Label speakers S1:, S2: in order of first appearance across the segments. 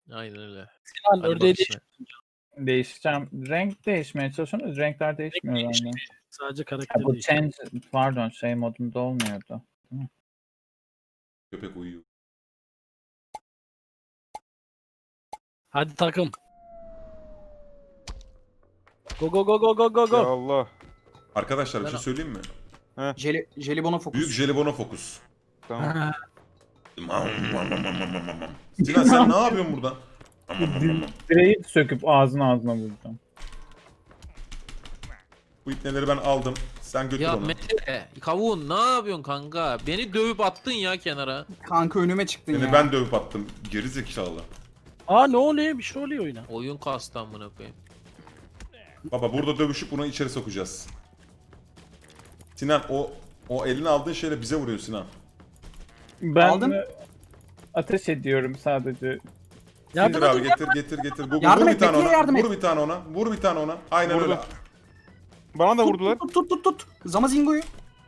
S1: Aynen öyle.
S2: Sinan
S1: Hadi
S2: ördeği
S1: bakayım.
S3: Değişeceğim. Renk değişmeye çalışıyorsunuz. Renkler değişmiyor bende.
S2: sadece
S3: Ha,
S2: karakteri
S3: bu
S2: değişiyor.
S3: change pardon şey modunda olmuyordu.
S4: Köpek uyuyor.
S2: Hadi takım. Go go go go go go
S5: Ya
S2: go.
S5: Allah.
S4: Arkadaşlar bir şey söyleyeyim mi?
S6: Jelibona fokus.
S4: Büyük jelibona fokus.
S5: Tamam.
S2: Ha,
S4: Sinan sen ne yapıyorsun burada?
S3: Direği söküp ağzına vuracağım.
S4: Bu ipneleri ben aldım. Sen götür
S1: Ya
S4: onu.
S1: Mete, kavun ne yapıyorsun kanka? Beni dövüp attın ya kenara.
S6: Kanka önüme çıktın
S4: Seni
S6: ya.
S4: ben dövüp attım. Geri zekalı.
S2: Aa ne oluyor? Bir şey oluyor oyuna.
S1: Oyun kastı amına koyayım.
S4: Baba burada dövüşüp bunu içeri sokacağız. Sinan o eline aldığın şeyle bize vuruyor Sinan.
S3: Ben
S6: Aldın?
S3: ateş ediyorum sadece.
S4: Getir abi getir. Google,
S6: Yardım
S4: vur
S6: et,
S4: bir tane
S6: Mete'ye
S4: ona.
S6: yardım et.
S4: Vur bir tane ona. Vur bir tane ona. Aynen
S5: Vurdu.
S4: öyle.
S5: Bana da vurdular.
S6: Tut. Zamazingo'yu.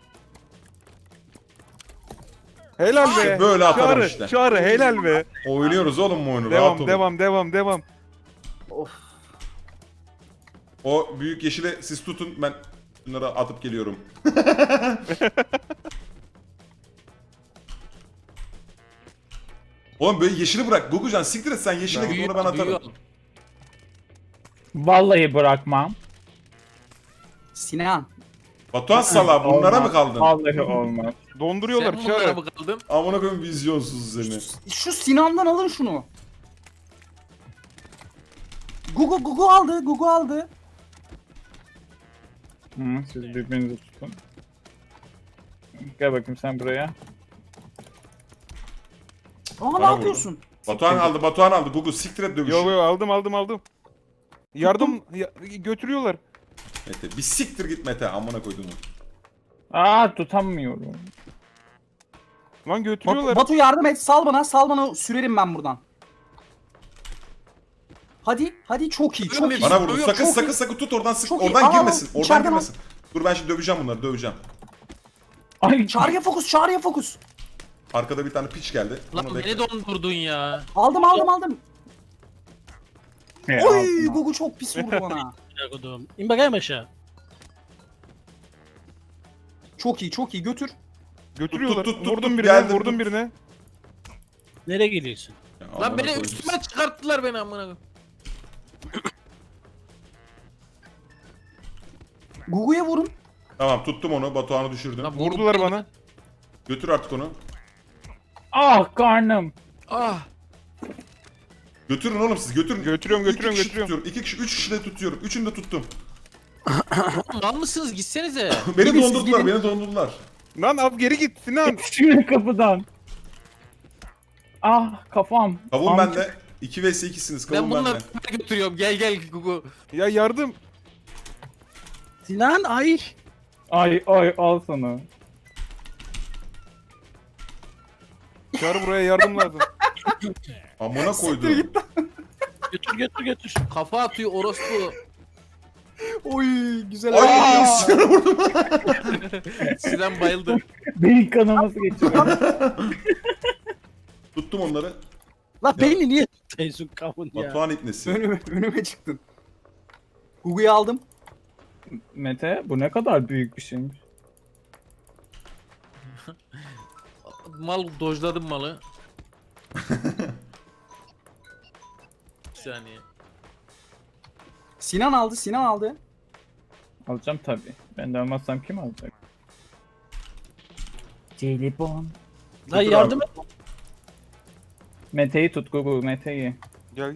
S5: Helal be.
S4: Böyle atarım
S5: Çağrı,
S4: işte.
S5: Çağrı helal be.
S4: Oynuyoruz oğlum bu oyunu. Rahat olun.
S5: Devam.
S6: Of.
S4: O büyük yeşile siz tutun. Ben bunları atıp geliyorum. Oğlum böyle yeşili bırak. Gugucan siktir et sen yeşile git onu ben atarım.
S1: Büyüyor.
S3: Vallahi bırakmam.
S6: Sinan.
S4: Batuhan Sala bunlara
S3: Olmaz.
S4: mı kaldın?
S3: Vallahi olmaz.
S5: Donduruyorlar
S1: Sen bunlara
S5: Çağrı.
S1: mı kaldın?
S4: Amına koyayım vizyonsuz seni.
S6: Şu Sinan'dan alın şunu. Gugu aldı.
S3: Hı, siz birbirinizi tutun. Gel bakayım sen buraya.
S6: Aa ne
S4: Bana
S6: yapıyorsun?
S4: Batuhan aldı. Gugu siktir et dövüşü.
S5: Yo aldım. Yardım götürüyorlar.
S4: Mete bir siktir git Mete amına koydum.
S3: Aa tutamıyorum.
S5: Lan götürüyorlar.
S6: Batu yardım et. Sal bana sürerim ben buradan. Hadi çok iyi.
S4: Bana vurdu.
S6: Çok iyi.
S4: Sakın tut oradan sık.
S6: Çok iyi.
S4: Oradan
S6: Al,
S4: girmesin. Oradan
S6: içeriden
S4: girmesin. Dur ben şimdi döveceğim bunları döveceğim.
S3: Ay
S6: Çağrı'ya fokus.
S4: Arkada bir tane piç geldi.
S1: Lan
S4: Onu
S1: beni
S4: bekle.
S1: dondurdun ya.
S6: Aldım.
S3: He,
S6: Oy
S3: aldım.
S6: Gugu çok pis vurdu bana.
S2: Kodum. İn bakayım aşağı.
S6: Çok iyi götür.
S5: Götürüyorlar.
S4: Tut,
S5: Vurdum
S4: geldim.
S5: birine.
S2: Nereye geliyorsun?
S4: Ya,
S1: Lan
S4: amına
S1: beni
S4: koydum.
S1: üstüme çıkarttılar beni amına koyayım.
S6: Gugu'ya vurun.
S4: Tamam tuttum onu. Batuhan'ı düşürdüm.
S1: Lan
S5: Vurdular bana.
S4: Götür artık onu.
S3: Ah karnım.
S1: Ah.
S4: Götürün oğlum siz götürün.
S5: Götürüyorum.
S4: Tutuyorum. 2 kişi 3 kişi de tutuyorum. Üçünü de tuttum.
S1: Mal mısınız? Gitsenize.
S4: Beni
S6: Gidin siz,
S4: dondurdular.
S6: gidin.
S4: Beni dondurdular.
S5: Lan al geri git Sinan.
S3: Şimdi kapıdan. Ah kafam.
S4: Kavun
S3: Amca-
S4: bende. 2 vs 2'siniz.
S1: Ben
S4: Kavun
S1: bunları
S4: bende.
S1: götürüyorum. Gel Gugu.
S5: Ya yardım.
S2: Sinan ay.
S3: Ay al sana.
S5: Çağrı buraya yardım lazım.
S4: Amına koydum.
S2: Götür.
S1: Kafa atıyor orospu.
S6: Oy güzel.
S4: Ay Sinan'a vurdum.
S1: Sinan bayıldı.
S3: Beyin kanaması geçiriyor.
S4: Tuttum onları.
S2: La beni niye tutuyorsun kavun ya?
S4: Batuhan ipnesi.
S6: Önüme çıktın. Gugu'yu aldım.
S3: Mete bu ne kadar büyük bir şeymiş.
S1: Mal dojladım malı. Bir saniye.
S6: Sinan aldı.
S3: Alacağım tabii. Ben de almazsam kim alacak? Jelibon.
S2: Lan
S4: Götür
S2: yardım
S4: abi.
S2: et.
S3: Mete'yi tut Gugu Mete'yi.
S5: Gel.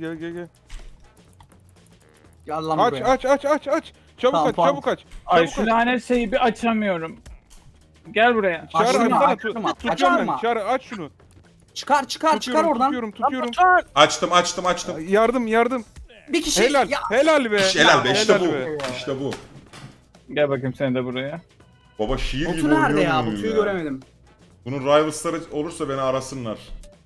S6: Gel lan
S5: Aç.
S6: buraya.
S5: Çabuk
S6: Tamam,
S5: aç,
S6: tamam.
S5: çabuk aç.
S3: Ay
S5: Çabuk
S3: şu
S5: aç.
S3: lanet şeyi bir açamıyorum. Gel buraya.
S5: Çağrı
S6: Açtırma,
S5: açsana.
S6: açtırma,
S5: Tutuyorum ben.
S6: açtırma.
S5: Çağrı aç şunu.
S6: Çıkar oradan.
S5: Tutuyorum.
S4: Açtım.
S5: Yardım.
S6: Bir kişi.
S5: Helal.
S6: Ya,
S5: Helal be.
S4: Helal be işte
S5: Helal
S4: bu.
S5: be.
S4: İşte bu.
S3: Gel bakayım sen de buraya.
S4: Baba şiir gibi
S6: Batu nerede
S4: oynuyor
S6: ya?
S4: muyum
S6: Batu'yu göremedim.
S4: Bunun rivals'ları olursa beni arasınlar.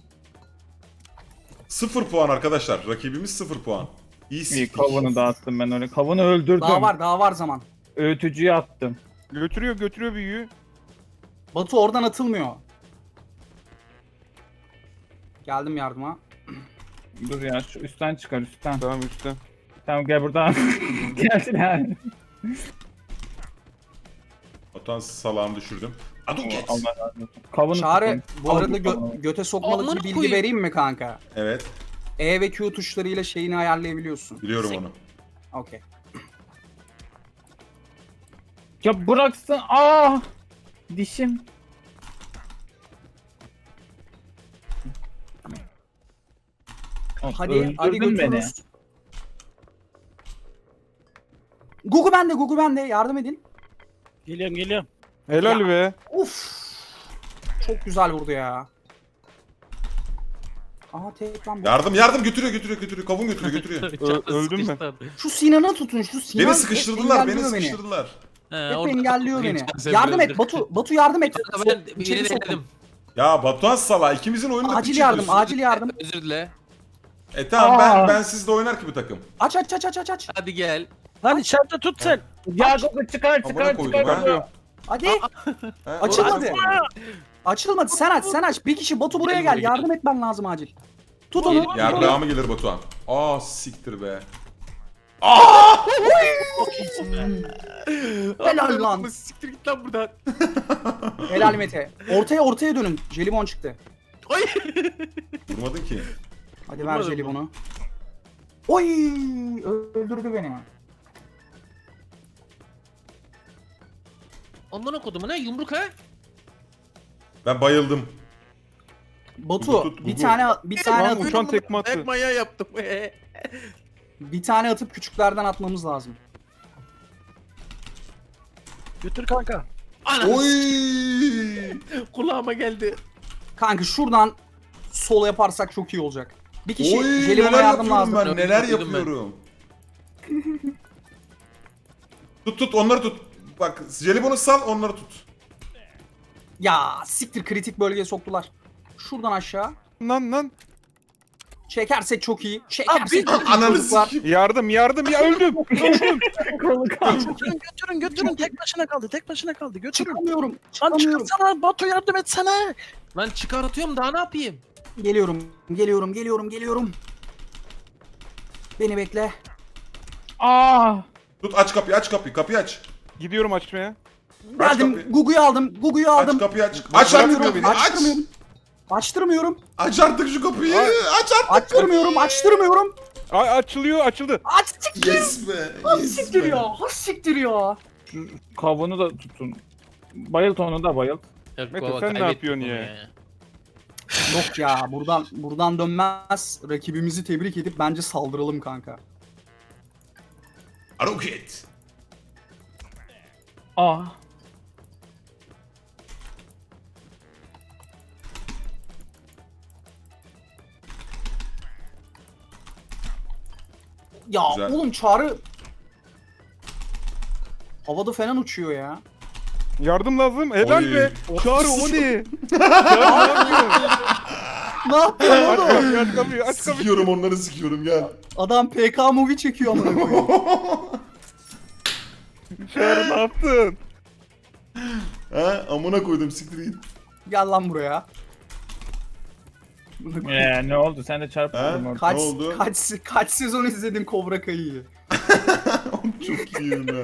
S4: 0 puan arkadaşlar. Rakibimiz 0 puan. İyi
S3: İyi
S4: siktik.
S3: kavunu dağıttım ben öyle. Kavunu öldürdüm.
S6: Daha var zaman.
S3: Öğütücüye attım.
S5: Götürüyor büyüğü.
S6: Batu oradan atılmıyor. Geldim yardıma.
S3: Dur ya şu üstten çıkar üstten.
S5: Tamam üstte.
S3: Tamam gel buradan. Gelsin yani.
S4: Batuhan salağımı düşürdüm. Aduket.
S3: Allah razı olsun. Kavunu
S6: Çağrı
S3: tutun.
S6: bu arada
S3: Kavunu.
S6: göte sokmalık
S1: Amına
S6: bir bilgi
S1: koyayım.
S6: vereyim mi kanka?
S4: Evet.
S6: E ve Q tuşlarıyla şeyini ayarlayabiliyorsun.
S4: Biliyorum onu.
S6: Okey.
S3: Ya bıraksın. Aa! Dişim.
S6: Hadi
S3: Öldürdün beni.
S6: götürürüz. Gugu bende yardım edin.
S2: Geliyorum.
S5: Helal
S6: Ya.
S5: be.
S6: Uf. Çok güzel vurdu ya. Aha tek lan bu.
S4: Yardım götürüyor. Kavun götürüyor.
S5: Öldüm ben.
S6: Şu Sinan'ı tutun şu Sinan.
S4: Beni
S6: hep
S4: sıkıştırdılar, beni
S6: engelliyor
S4: sıkıştırdılar.
S6: Hep engelliyor beni. Yardım et Batu yardım et.
S1: Ben
S6: İçeri
S1: yeni
S6: sokun.
S1: denedim.
S4: Ya Batuhan salağı ikimizin oyununu
S6: Acil
S4: piç
S6: yardım,
S4: ediyorsun.
S6: acil yardım.
S1: Özür dile.
S4: Tamam
S3: Aa.
S4: ben sizle oynar ki bu takım.
S6: Aç.
S1: Hadi gel.
S2: Lan içeride tut sen.
S3: Ya Gogo çıkar
S4: Amına koydum ha.
S6: Hadi.
S4: Ha,
S6: Açılmadı.
S4: orası-
S6: Açılmadı. Sen aç. Bir kişi Batu buraya gel. Yardım etmen lazım acil. Tut onu.
S4: Yardımı gelir Batuhan. Aa siktir be.
S6: Helal lan.
S1: Siktir git lan buradan.
S6: Helal Mete. Ortaya dönün. Jelibon çıktı.
S1: Ay.
S4: Vurmadın ki.
S6: Hadi ver
S1: Vurmadım
S6: jelibonu. Oy! Öldürdü beni.
S1: Amına kodumu ne yumruk ha?
S4: Ben bayıldım.
S6: Batu
S4: Tut,
S6: bir
S4: Gugu.
S6: tane
S5: Lan
S6: atıp,
S5: uçan tekme attı.
S1: Ayak manyağı yaptım.
S6: bir tane atıp küçüklerden atmamız lazım.
S2: Götür kanka.
S1: Ana
S4: Oy!
S1: kulağıma geldi.
S6: Kanka şuradan sol yaparsak çok iyi olacak. Bir kişi
S4: Oy!
S6: jelibona
S4: Neler
S6: yardım
S4: yapıyorum
S6: lazım.
S4: ben? Neler
S1: Duydum ben.
S4: yapıyorum? Tut onları tut. Bak jelibonu sal onları tut.
S6: Ya siktir kritik bölgeye soktular. Şuradan aşağı.
S5: Lan.
S6: Çekersek çok iyi. Çekersek
S2: Abi,
S6: çok iyi
S4: Ananı
S6: çocuklar.
S4: sikeyim.
S5: Yardım ya öldüm.
S3: Kolu kaldı.
S2: Götürün. Tek başına kaldı. Götürün.
S6: Çıkamıyorum.
S2: Lan
S6: Çıkamıyorum.
S2: çıkarsana Batu yardım etsene.
S1: Lan çıkartıyorum daha ne yapayım?
S6: Geliyorum. Beni bekle.
S3: Aa!
S4: Tut aç kapıyı kapıyı aç.
S5: Gidiyorum açmaya.
S4: Aç
S6: Geldim.
S4: kapıyı.
S6: Gugu'yu aldım.
S4: Aç kapıyı aç. Aç artık
S6: Açtırmıyorum.
S4: kapıyı. Aç.
S6: Açtırmıyorum.
S4: Aç artık şu kapıyı. Aç artık.
S6: Açtırmıyorum.
S5: Açıldı.
S6: Açtık.
S4: Yes be. Yes
S6: Siktir
S4: be.
S6: ya. Siktir ya.
S3: Kavunu da tutun. Bayılt onu da bayılt.
S5: Mete,
S1: Baba,
S5: sen ne
S1: kaybettik
S5: yapıyorsun
S1: bunu
S5: ya?
S6: Yok ya buradan dönmez. Rakibimizi tebrik edip bence saldıralım kanka.
S4: Aruket.
S3: Aa!
S6: Ya
S4: Güzel.
S6: oğlum Çağrı havada falan uçuyor ya.
S5: Yardım lazım. Helal
S4: Oy.
S5: be. Çağrı o ne? Çağrı
S6: Ne yapıyor
S5: ne
S6: oğlum?
S5: yapıyorsun? Aç kapıyı.
S4: Sikiyorum onları sikiyorum gel.
S6: Adam PK movie çekiyor amına koyayım.
S5: Çağrı ne yaptın?
S4: Ha amına koydum siktir git.
S6: Gel lan buraya.
S3: Ne oldu? Sen de çarptın
S4: Ha?
S3: orada.
S4: Ne oldu?
S6: Kaç sezon izledin Cobra Kai'yi?
S4: Çok iyiyim ya.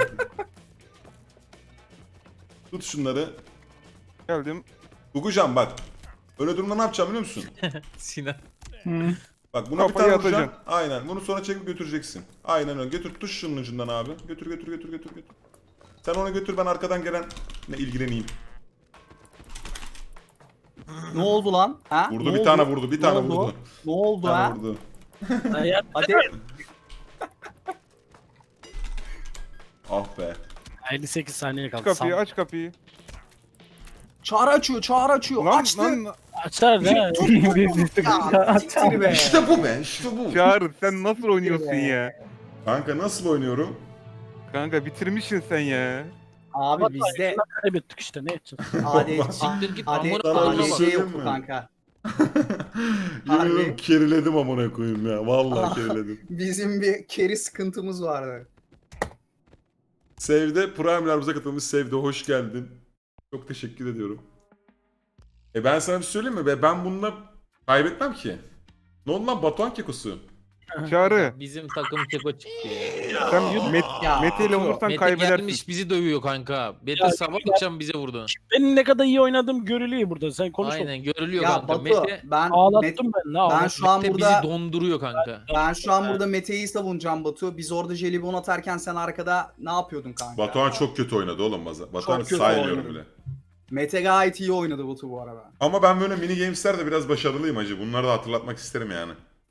S4: Tut şunları.
S5: Geldim.
S4: Gugucan bak. Öyle durumda ne yapacağım biliyor musun?
S1: Sinan.
S4: Bak buna bir
S5: Kafayı
S4: tane vuracaksın.
S5: atacaksın.
S4: Aynen. Bunu sonra çekip götüreceksin. Aynen öyle. Götür tuş şunun ucundan abi. Götür. Sen onu götür ben arkadan gelen ne ilgileneyim.
S6: Ne oldu lan? Ha?
S4: Vurdu
S6: Ne
S4: bir
S6: oldu?
S4: tane vurdu. Bir
S6: Ne
S4: tane
S6: oldu?
S4: vurdu.
S6: Ne oldu
S4: Bir tane
S6: ha?
S4: vurdu.
S6: Hadi.
S4: Ah be.
S2: 58 saniye
S5: Aç
S2: kaldı.
S5: kapıyı aç kapıyı.
S6: Çağrı açıyor.
S5: Lan
S6: Açtı.
S5: lan.
S2: Açar ne?
S6: Ya siktir be.
S4: İşte bu be. İşte bu.
S5: Çağrı sen nasıl oynuyorsun ya?
S4: Kanka nasıl oynuyorum?
S5: Kanka bitirmişsin sen ya.
S6: Abi bizde
S2: Kaybettik işte ne edeceğiz?
S1: Siktir git,
S6: AD,
S1: amına
S4: koyayım.
S6: ADC
S4: Söyleyeyim
S6: yoktu
S4: mi?
S6: kanka.
S4: Yemin
S6: Harbi.
S4: ediyorum keriledim amına koyayım ya. Vallahi keriledim.
S6: Bizim bir carry sıkıntımız vardı.
S4: Save'de Prime'larımıza katılmış Save'de hoş geldin. Çok teşekkür ediyorum. Ben sana bir söyleyeyim mi? Ben bununla kaybetmem ki. Ne oldu lan Batuhan kekosu?
S5: Çağrı.
S1: Bizim takım keko çıktı ya.
S5: Sen
S6: Ya,
S5: Mete ile olursan
S1: Mete
S5: kaybedersin.
S1: gelmiş bizi dövüyor kanka. Mete
S2: Ya,
S1: sabah akşam bize vurdu.
S2: Benim ne kadar iyi oynadığım görülüyor burada. Sen konuş.
S1: Aynen görülüyor
S6: Ya
S1: kanka.
S6: Batu
S1: Mete,
S6: ben
S2: Ağlattım ben. Ne
S6: ben
S2: ağlattım?
S6: şu an
S1: Mete
S6: burada
S1: bizi donduruyor kanka.
S6: Mete'yi savunacağım Batu. Biz orada jelibon atarken sen arkada ne yapıyordun kanka?
S4: Batuhan çok kötü oynadı oğlum bazen. Batuhan'ı
S6: kötü
S4: saymıyorum
S6: oynadı.
S4: bile.
S6: Mete gayet iyi oynadı Batu bu arada.
S4: Ama ben böyle mini games'lerde biraz başarılıyım hacı. Bunları da hatırlatmak isterim yani.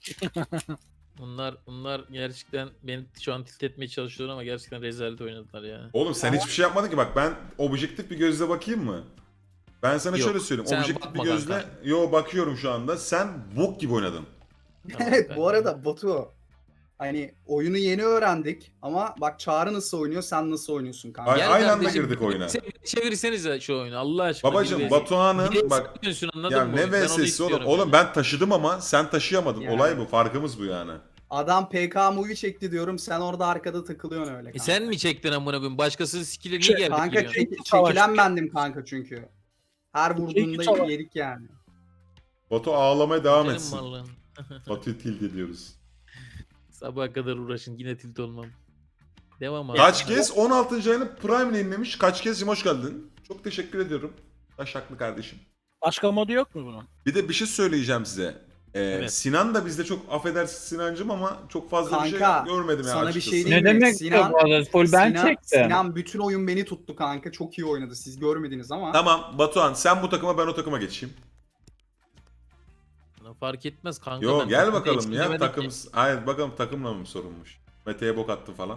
S1: Bunlar gerçekten beni şu an tilt etmeye çalışıyorlar ama gerçekten rezalet oynadılar ya.
S4: Oğlum sen hiçbir şey yapmadın ki bak ben objektif bir gözle bakayım mı? Ben sana
S1: Yok,
S4: şöyle söyleyeyim.
S1: sen
S4: Objektif bir
S1: bakma
S4: gözle
S1: kanka.
S4: yo bakıyorum şu anda. Sen bok gibi oynadın.
S1: Tamam
S6: Evet
S1: kanka.
S6: bu arada Batu hani oyunu yeni öğrendik ama bak Çağrı nasıl oynuyor sen nasıl oynuyorsun kanka?
S4: Ay-
S1: Gel
S4: aynı anda
S1: kardeşim,
S4: girdik oyuna.
S1: Çevirsenize şu oyunu Allah aşkına.
S4: Babacım
S1: Bir
S4: Batuhan'ın
S1: VS
S4: bak
S1: yapıyorsun, anladın
S4: ya
S1: mı?
S4: ne
S1: Ben onu
S4: VS'si oğlum.
S1: istiyorum
S4: Oğlum
S1: yani.
S4: ben taşıdım ama sen taşıyamadın.
S6: Yani.
S4: Olay bu. Farkımız bu yani.
S6: Adam PK movie çekti diyorum sen orada arkada takılıyorsun öyle kanka.
S1: Sen mi çektin amına koyayım? Başkasının skill'e niye geldik
S6: Kanka
S1: geliyorsun?
S6: çekilen bendim kanka çünkü. Her vurduğunda
S2: savaş.
S6: yedik yani.
S4: Batu ağlamaya devam
S1: Senin
S4: etsin.
S1: malın.
S4: Batu'yu tilt ediyoruz.
S1: Sabaha kadar uğraşın yine tilt olmam. Devam abi.
S4: Kaç kez 16. ayını Prime yayınlamış. Kaç kez hoş geldin. Çok teşekkür ediyorum. Taşaklı kardeşim.
S2: Başka modu yok mu bunun?
S4: Bir de bir şey söyleyeceğim size.
S2: Evet.
S4: Sinan da bizde çok affedersin Sinancım ama çok fazla bir
S6: Kanka,
S4: şey görmedim ya
S6: sana bir
S4: açıkçası.
S6: şey diyeyim
S7: Ne
S6: mi?
S7: demek
S6: Sinan-
S7: bu arada? Full ben çektim.
S6: Sinan bütün oyun beni tuttu kanka. Çok iyi oynadı. Siz görmediniz ama.
S4: Tamam Batuhan sen bu takıma ben o takıma geçeyim.
S1: Fark etmez kanka.
S4: Yo
S1: ben
S4: gel
S1: takımda
S4: bakalım
S1: eksik
S4: ya
S1: demedim
S4: takım.
S1: ki.
S4: Hayır bakalım takımla mı sorunmuş. Mete'ye bok attı falan.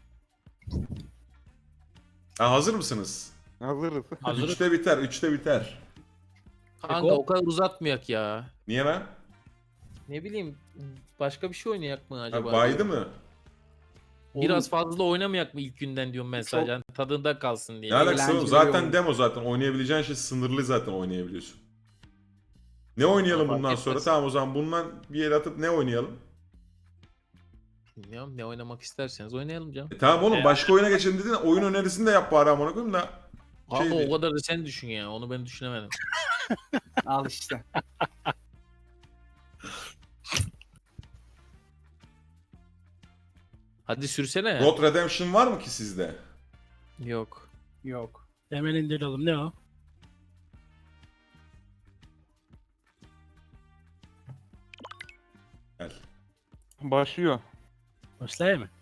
S4: Ha, hazır mısınız?
S5: Hazırız.
S2: Hazırız.
S4: 3'te biter 3'te biter.
S1: Kanka o kadar uzatmayak ya.
S4: Niye lan?
S1: Ne bileyim başka bir şey oynayak mı
S4: Ha,
S1: acaba?
S4: baydı mı?
S1: Biraz fazla oynamayak mı ilk günden diyorum ben sadece. Yani tadında kalsın diye.
S4: Ne alakası oğlum?
S6: Eğlenceli
S4: Zaten
S6: oyun.
S4: demo zaten. Oynayabileceğin şey sınırlı zaten oynayabiliyorsun. Ne oynayalım
S1: Fark
S4: bundan
S1: etmez.
S4: sonra? Tamam o zaman bundan bir el atıp ne oynayalım?
S1: Bilmiyorum ne oynamak isterseniz oynayalım canım.
S4: Tamam oğlum başka oyuna geçelim dedin. Oyun önerisini de yap bari amına koyayım da.
S1: Ama
S4: Şey
S1: o kadar da sen düşün ya. Onu ben düşünemedim.
S6: Al işte.
S1: Hadi sürsene.
S4: Road Redemption var mı ki sizde?
S1: Yok.
S6: Yok.
S2: Hemen indirelim. Ne o?
S4: Gel.
S5: Başlıyor.
S2: Başlayayım mı?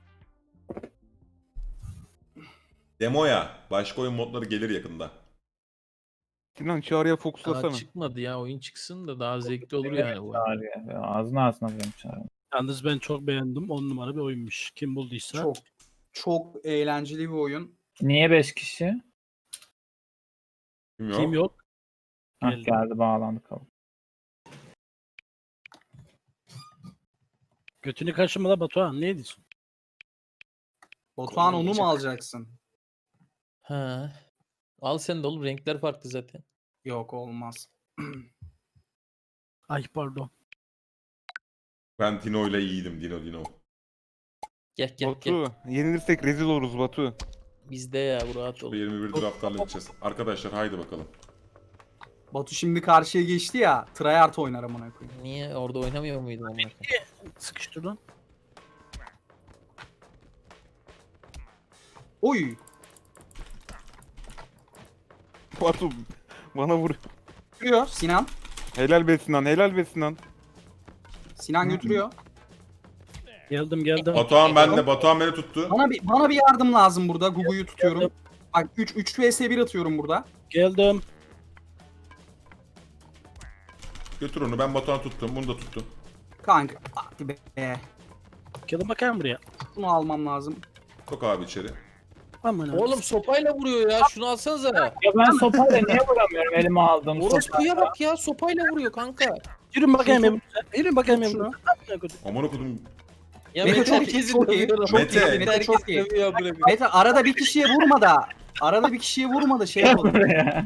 S4: Demoya. Başka oyun modları gelir yakında.
S5: Sinan Çağrı'ya
S1: Daha
S5: fokuslasana.
S1: çıkmadı ya. Oyun çıksın da daha zevkli olur yani bu.
S7: Çağrı ya. Ağzına ağzına vuruyorum Çağrı.
S2: Yalnız ben çok beğendim. 10 numara bir oyunmuş. Kim bulduysa.
S6: Çok eğlenceli bir oyun.
S7: Niye 5 kişi?
S4: Bilmiyorum.
S2: Kim yok?
S7: Hah
S2: Geldi.
S7: geldi bağlandı kabul.
S2: Götünü kaşıma la Batuhan. Ne diyorsun?
S6: Batuhan onu mu alacaksın?
S1: Ha. Al sen de oğlum. Renkler farklı zaten.
S6: Yok olmaz.
S2: Ay pardon.
S4: Ben Dino ile iyiydim. Dino.
S1: Gel gel.
S5: Batu. Yenilirsek rezil oluruz Batu.
S1: Bizde ya bu rahat ol.
S4: 21 draftlarla gideceğiz. Arkadaşlar haydi bakalım.
S6: Batu şimdi karşıya geçti ya. Tryhard oynar amına koyayım.
S1: Niye orada oynamıyor muydun amına koyayım?
S2: Sıkıştır lan.
S6: Oy.
S5: Batu bana vur.
S6: Götürüyor Sinan.
S5: Helal be Sinan, helal be Sinan.
S6: Sinan götürüyor.
S2: Geldim.
S4: Batuhan bende. Batuhan beni tuttu.
S6: Bana bir yardım lazım burada. Gugu'yu tutuyorum. Bak 3 vs 1 atıyorum burada.
S2: Geldim.
S4: Götür onu. Ben Batuhan'ı tuttum. Bunu da tuttum.
S6: Kanka hadi be.
S2: Gelin bakayım buraya.
S6: Bunu almam lazım.
S4: Sok abi içeri.
S2: Aman abi.
S1: Oğlum sopayla vuruyor ya. Şunu alsanıza.
S7: Ya ben sopayla niye vuramıyorum elime aldım
S1: Orospuya bak ya. Sopayla vuruyor kanka.
S2: Yürün bakayım ya. Yürün bakayım ya.
S6: Şunu.
S4: Aman okudum.
S1: Ya
S6: Mete
S1: Mete
S6: çok iyi,
S1: herkesi
S6: çok iyi,
S1: dövüyor.
S6: çok
S4: iyi, Mete
S1: herkes
S6: çok iyi.
S1: dövüyor amına koyayım.
S6: Mete arada bir kişiye vurma da. Arada bir kişiye vurma da şey yapalım.
S7: buraya.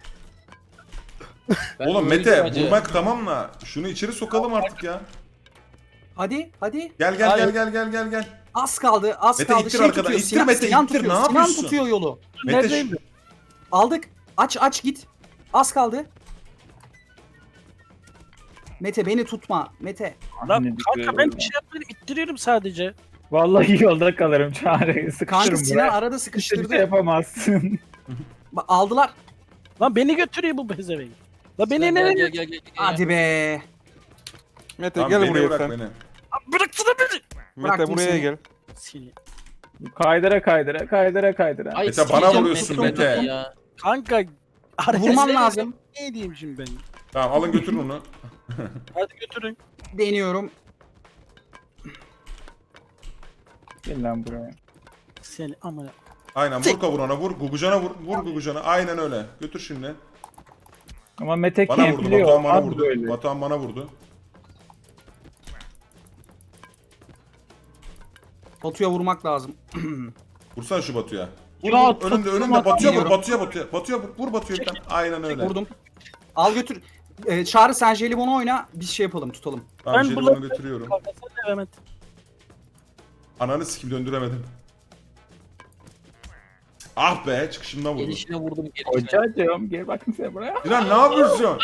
S1: Ben
S4: Oğlum
S1: öldüm
S4: Mete
S1: acı.
S4: vurmak tamam da şunu içeri sokalım artık ya.
S6: Hadi.
S4: Gel.
S6: Az kaldı.
S4: Mete ittir arkadan,
S6: tutuyor,
S4: ittir Mete,
S6: Sinan
S4: ittir,
S6: tutuyor,
S4: ne
S6: Sinan
S4: yapıyorsun?
S6: tutuyor yolu.
S4: Mete
S2: Neredeyim?
S6: Aldık. Aç git. Az kaldı. Mete beni tutma. Mete.
S2: Lan
S7: Ne
S2: kanka
S7: diyor
S2: ben
S7: ya?
S2: bir şey yapmadım. İttiriyorum sadece.
S7: Vallahi yolda kalırım Çağrı.
S6: Kanka
S7: Sıkışırım
S6: Sinan
S7: buraya.
S6: arada
S7: Hiçbir şey
S6: sıkıştırdı.
S7: yapamazsın.
S6: Aldılar.
S2: Lan beni götürüyor bu pezevenk. Lan beni
S1: Gel,
S2: nereye
S1: gel, gel, gel, gel.
S6: Hadi be.
S5: Mete
S4: Tamam,
S5: gel
S4: beni
S5: buraya
S4: bırak
S5: sen.
S4: beni.
S2: bıraksana beni.
S5: Mete
S6: Bıraktım
S5: buraya
S6: seni.
S5: gel.
S2: Seni.
S7: Kaydıra kaydıra kaydıra kaydıra.
S1: Ay,
S4: Mete, bana
S1: sikeceğim
S4: vuruyorsun
S1: Mete
S4: Mete.
S1: ya.
S2: Kanka.
S6: Vurman lazım.
S2: Ne diyeyim şimdi ben?
S4: Tamam alın götürün onu.
S2: Hadi götürün.
S6: Deniyorum.
S7: Gel lan buraya.
S2: Seni amına.
S4: Aynen vur kavurana vur. Gugucana vur. Vur Gugucana. Aynen öyle. Götür şimdi.
S7: Ama Mete
S4: Bana vurdu.
S7: kempliyor.
S4: Batuhan bana
S7: olmaz
S4: vurdu.
S7: böyle.
S4: Batuhan bana vurdu.
S6: Batu'ya vurmak lazım.
S4: Vursana şu Batu'ya. Vur,
S7: Ya,
S4: vur. Önünde
S7: tuttum
S4: önünde. Batu'ya vur.
S6: atamıyorum.
S4: Batu'ya vur. Vur Batu'ya bir tane. Aynen öyle.
S6: Vurdum. Al götür. Çağrı sen jelibonu oyna. Biz şey yapalım tutalım.
S4: Tamam
S2: Ben
S4: jelibonu
S2: bulamıyorum.
S4: götürüyorum.
S2: Kanka sen de Mehmet.
S4: Ananı sikim döndüremedim. Ah be çıkışımdan vurdum.
S1: Gelişine vurdum gelişine.
S7: Hocacığım gel bakayım sen buraya.
S4: Sinan ne yapıyorsun?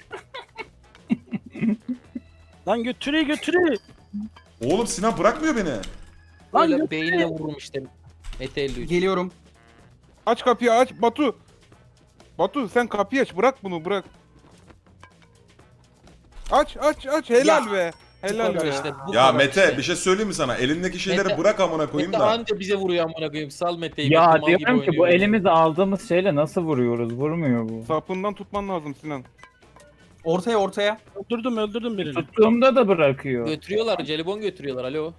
S2: Lan götürüyor.
S4: Oğlum Sinan bırakmıyor beni.
S2: Lan
S1: Böyle
S2: götürüyor.
S1: beynine vururum işte. Mete 53.
S6: Geliyorum.
S5: Aç kapıyı aç Batu. Batu sen kapıyı aç bırak bunu bırak. Aç helal
S6: Ya.
S5: be. Helal
S1: kadar
S5: be.
S1: işte, bu
S4: Ya
S1: kadar
S4: Mete
S1: işte.
S4: bir şey söyleyeyim mi sana? Elindeki şeyleri
S1: Mete-
S4: bırak amına koyayım
S1: Mete
S4: da.
S1: anca bize vuruyor amına koyayım. Sal Mete'yi.
S7: Ya
S1: Mete mal gibi
S7: diyorum ki bu
S1: oynuyor.
S7: elimize aldığımız şeyle nasıl vuruyoruz? Vurmuyor bu.
S5: Sapından tutman lazım Sinan.
S6: Ortaya.
S2: Öldürdüm birini.
S7: Tuttuğumda da bırakıyor.
S1: Götürüyorlar. Jelibon götürüyorlar. Alo.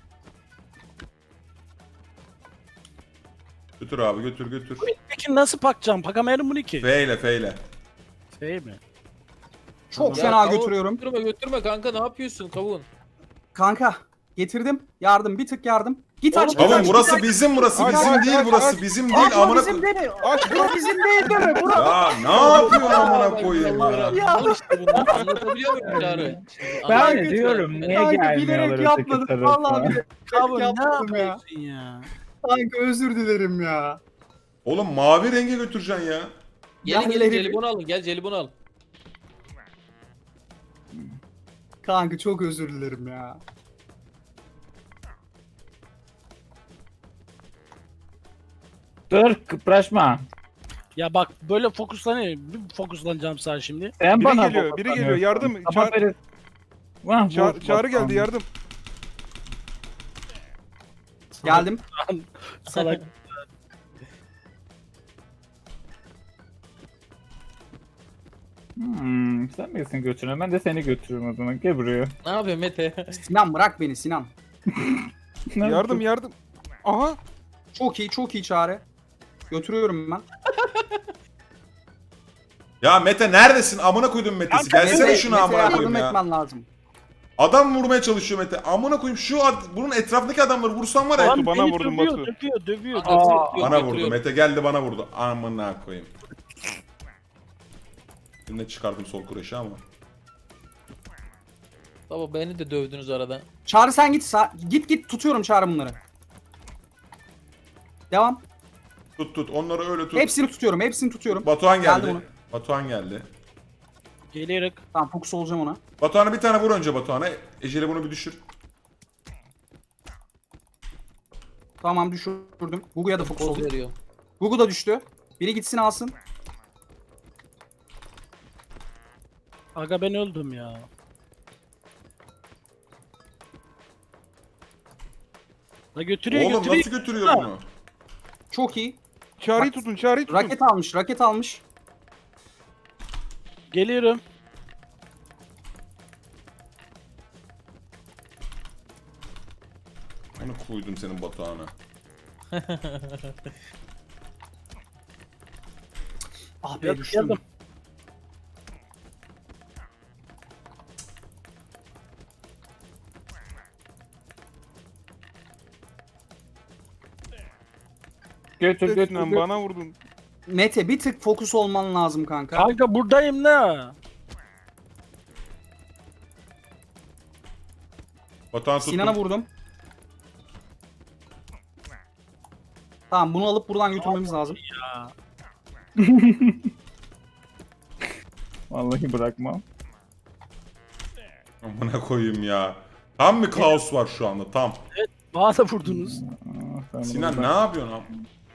S4: Götür abi götür.
S2: Peki nasıl bakacağım? Bakamayalım bunu ki.
S4: Feyle feyle.
S2: Şey mi?
S6: Çok
S1: Ya
S6: fena
S1: kavun,
S6: götürüyorum.
S1: Götürme kanka ne yapıyorsun kavun?
S6: Kanka getirdim. Yardım bir tık yardım. Git aç.
S4: Kavun
S6: git
S4: burası
S6: aç.
S4: bizim burası.
S5: Aç,
S4: Bizim
S5: aç,
S4: değil
S5: aç,
S4: burası.
S5: aç.
S4: Bizim
S6: Aç,
S4: değil
S6: o
S4: amına
S6: bizim
S4: koyayım.
S6: değil. O bizim değil deme. Bura.
S4: Ya ne yapıyorsun amına koyayım ya?
S1: Al işte bunu. Anlatabiliyor muyum Çağrı?
S7: Ben
S6: Kanka,
S7: de diyorum niye
S6: Kanka
S7: gelmiyorlar
S6: bilerek
S7: öteki
S6: yapmadım. Vallahi
S7: tarafa?
S6: bilerek
S2: Abi ne
S6: yapmadım ya.
S2: yapıyorsun ya?
S6: Kanka özür dilerim ya.
S4: Oğlum mavi renge götüreceksin ya.
S1: Gelin gelin
S6: Yerleri-
S1: jelibon alın. Gel jelibon al.
S6: Kanka çok özür dilerim ya.
S7: Dur kıpraşma.
S2: Ya bak böyle fokuslanıyor. Bir fokuslanacağım sana şimdi.
S7: Sen
S5: Biri
S7: bana
S5: geliyor, biri geliyor. Yardım.
S7: Ama böyle... Vah, vur,
S5: Çağrı
S7: bak,
S5: geldi yardım.
S6: Geldim.
S2: Salak.
S7: Sen misin götüren? Ben de seni götürürüm o zaman. Gel buraya.
S1: Ne yapıyor Mete?
S6: Sinan bırak beni Sinan.
S5: Yardım. Aha.
S6: Çok iyi çare. Götürüyorum ben.
S4: Ya Mete neredesin? Amına koydum Mete'si.
S2: Kanka,
S4: Gelsene şuna
S6: Mete'ye
S4: amına
S6: yardım
S4: koyayım ya.
S6: etmen lazım.
S4: Adam vurmaya çalışıyor Mete. Amına koyayım bunun etrafındaki adamları vursan var ya.
S2: Lan
S5: bana
S2: beni
S5: vurdun
S2: dövüyor,
S5: Batu.
S2: dövüyor.
S4: Bana vurdu. Mete geldi bana vurdu. Amına koyayım. Yine çıkardım sol kureşi ama.
S1: Baba beni de dövdünüz arada.
S6: Çağrı sen git. Git tutuyorum Çağrı bunları. Devam.
S4: Tut. Onları öyle tut.
S6: Hepsini tutuyorum.
S4: Batuhan
S6: Geldi
S4: geldi.
S6: bunu.
S4: Batuhan geldi.
S2: Gelerek.
S6: Tamam fokus olacağım ona.
S4: Batuhan'a bir tane vur önce Batuhan'a. Ecele bunu bir düşür.
S6: Tamam düşürdüm. Gugu'ya da fokus
S1: Poz
S6: oldu.
S1: veriyor.
S6: Gugu da düştü. Biri gitsin alsın.
S2: Aga ben öldüm ya. La götürüyor
S4: Oğlum
S2: götürüyor.
S4: nasıl götürüyor bunu?
S6: Çok iyi.
S5: Çağrıyı tutun.
S6: Raket almış.
S2: Geliyorum.
S4: Onu koydum senin Batuhan'a.
S6: Ah be
S2: Geldim.
S6: düştüm.
S7: Götür.
S5: Sinan bana vurdun.
S6: Mete bir tık fokus olman lazım kanka.
S2: Kanka buradayım da.
S4: Batuhan tuttum.
S6: Sinan'a vurdum. Tamam bunu alıp buradan götürmemiz lazım.
S7: Vallahi bırakmam.
S4: Amına koyayım ya. Tam bir kaos var şu anda tam.
S2: Bana da vurdunuz.
S7: Ben
S4: Sinan
S7: burada-
S4: ne yapıyorsun abi?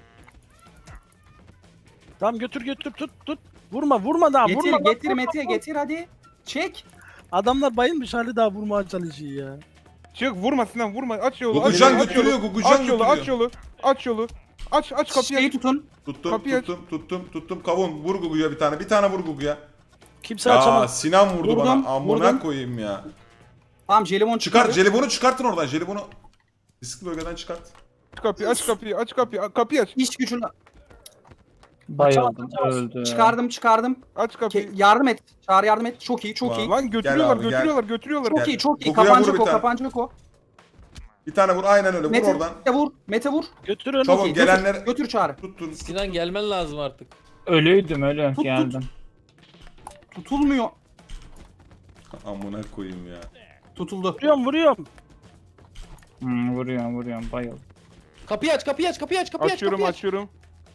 S2: Tamam götür tut. Vurma daha
S6: Getir
S2: vurma.
S6: getir Mete getir hadi. Çek.
S2: Adamlar bayılmış hali daha vurmaya çalışıyor ya.
S5: Çık vurma Sinan vurma. Aç yolu.
S4: Gugucan
S5: aç yolu,
S4: götürüyor, Gugucan
S5: Aç yolu aç
S4: götürüyor.
S5: yolu. Aç yolu. Aç kapıyı
S6: Şeyi
S5: aç.
S6: tutun.
S4: Tuttum, tuttum. Kavun vur Gugu'ya bir tane. Bir tane vur Gugu'ya.
S2: Kimse
S4: Ya
S2: açamaz.
S4: Sinan vurdu
S6: Vurdum,
S4: bana. Amına
S6: vurdum.
S4: koyayım ya.
S6: Tamam jelibon
S4: Çıkar,
S6: çıkıyor.
S4: jelibonu çıkartın oradan. Jelibonu riskli bölgeden çıkart.
S5: Aç kapıyı aç kapıyı aç kapıyı. Kapıyı aç.
S6: İş gücünü
S7: Bayıldım
S2: Açamaz.
S7: öldü.
S6: çıkardım.
S5: Aç kapıyı.
S6: Yardım et. Çağrı yardım et. Çok iyi çok iyi.
S5: Lan götürüyorlar
S4: abi, gel.
S5: götürüyorlar.
S6: Çok
S4: Gel.
S6: iyi çok iyi.
S4: Google'a vur
S6: Kapanacak
S4: bir
S6: o
S4: tane.
S6: kapanacak o.
S4: Bir tane vur aynen öyle. Vur
S6: Mete
S4: oradan.
S6: vur. Mete vur.
S2: Götürün.
S4: Çabuk
S6: İyi,
S4: gelenler
S6: Götür Çağrı.
S4: tuttun.
S1: Sinan gelmen lazım artık.
S7: Ölüydüm ölü.
S6: Tut,
S7: Geldim.
S6: Tutulmuyor.
S4: Amına koyayım ya.
S6: Tutuldu.
S2: Vuruyorum.
S7: Vuruyorum bayıldım.
S1: Kapıyı aç.
S5: Açıyorum.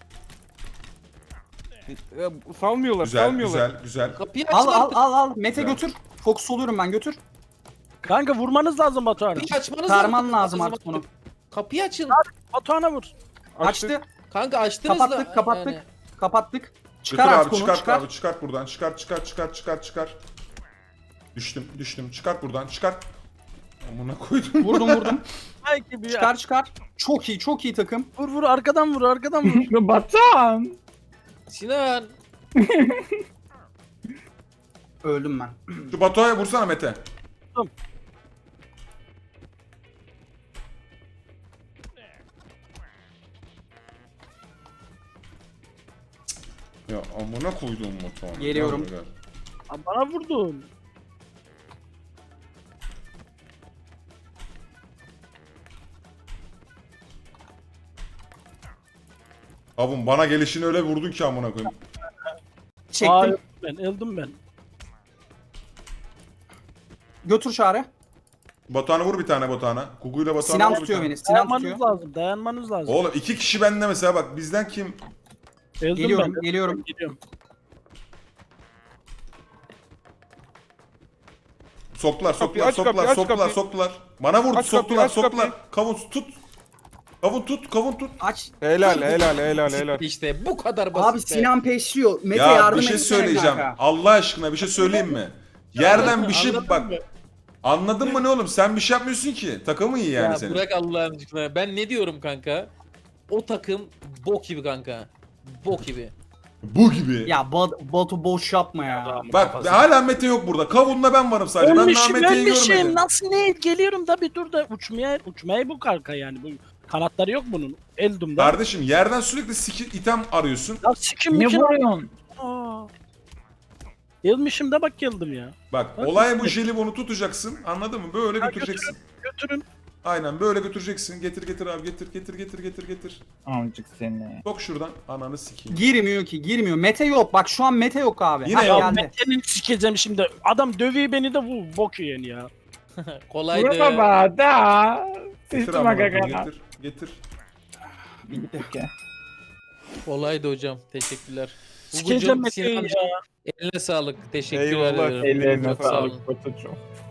S5: Salmıyorlar salmıyorlar.
S4: Güzel.
S1: Kapıyı aç
S6: Al
S1: artık.
S6: al. Mete
S4: Güzel.
S6: götür. Fokus oluyorum ben götür.
S2: Kanka vurmanız lazım Batuhan'a.
S1: Kapıyı açmanız
S6: Sarman lazım artık bunu.
S1: Kapıyı açın.
S2: Batuhan'a vur.
S6: Açtı.
S1: Kanka açtınız da.
S6: Kapattık.
S1: yani.
S6: Kapattık. Çıkar
S4: Götür
S6: artık
S4: abi
S6: onu.
S4: çıkart
S6: Çıkar.
S4: abi çıkart buradan. Çıkar. Düştüm. Çıkart buradan. Çıkart. Amına koydum.
S6: Vurdum.
S2: Ay gibi ya.
S6: Çıkar. Çok iyi takım.
S2: Vur arkadan vur.
S7: Batuhan.
S1: Sinan.
S6: Öldüm ben.
S4: Şu Batuhan'a vursana Mete.
S2: Tamam.
S4: Ya amına koydum Batuhan'a.
S6: Geliyorum.
S4: Gel.
S2: Bana vurdun.
S4: Abim bana gelişini öyle vurdun ki amına koyayım.
S6: Çektim.
S2: Öldüm ben.
S6: Götür Çağrı.
S4: Batuhan'a vur bir tane Batuhan'a. Kugu'yla Batuhan'a
S6: Sinan
S4: vur bir
S6: tutuyor
S4: tane.
S6: beni. Sinan tutuyor.
S2: Dayanmanız lazım.
S4: Oğlum 2 kişi bende mesela bak bizden kim?
S2: Öldüm
S6: Geliyorum.
S2: ben.
S6: Geliyorum.
S2: Gidiyorum.
S4: Soktular.
S5: Kapıyı aç kapıyı.
S4: Bana vurdu
S5: Aç kapıyı, aç
S4: soktular. Kavun tut. Kavun tut.
S6: Aç.
S5: Helal.
S1: İşte bu kadar basit.
S6: Abi
S1: be.
S6: Sinan peşliyor. Mete
S4: Ya
S6: yardım
S4: bir şey
S6: etsene
S4: söyleyeceğim.
S6: kanka.
S4: Allah aşkına bir şey söyleyeyim mi? Yerden bir şey
S1: Anladın
S4: bak.
S1: mı?
S4: Anladın mı ne oğlum? Sen bir şey yapmıyorsun ki. Takımı iyi yani
S1: Ya
S4: senin.
S1: bırak Allah'ın aşkına. Ben ne diyorum kanka? O takım bok gibi kanka. Bok gibi.
S4: Bu gibi.
S6: Ya Batu boş yapma ya.
S4: Bak hala Mete yok burada. Kavunla ben varım sadece. Ben daha Mete'yi görmedim.
S2: Nasıl ne? Geliyorum da bir dur da uçmaya bu kanka yani. Bu kanatları yok bunun. Eldum'da.
S4: Kardeşim yerden sürekli item arıyorsun.
S2: Ya sikim
S7: Ne
S2: mikim.
S7: vuruyorsun?
S2: Gelmişim de bak geldim ya.
S4: Bak olay bu jelibonu tutacaksın. Anladın mı? Böyle götüreceksin.
S2: Götürün.
S4: Aynen böyle götüreceksin. Getir abi getir.
S7: Amcık seni.
S4: Sok şuradan. Ananı sikeyim.
S6: Girmiyor. Mete yok. Bak şu an Mete yok abi.
S4: Yine
S6: Hah,
S4: yok.
S6: geldi.
S2: Mete'nin sikeceğim şimdi. Adam dövüyor beni de bu bok yiyen ya.
S1: Kolaydı.
S7: Vurma da.
S4: Getir
S7: Sıçma
S4: amına
S7: kaka.
S4: koyayım, getir.
S1: Kolaydı hocam. Teşekkürler.
S2: Sikeceğim
S1: Gugucuğum,
S2: Mete'yi
S1: Sinancığım,
S2: ya.
S1: eline sağlık. Teşekkür
S5: Eyvallah.
S1: ederim.
S7: Ellerine
S1: Çok sağ olun.
S7: sağlık Batucuğum.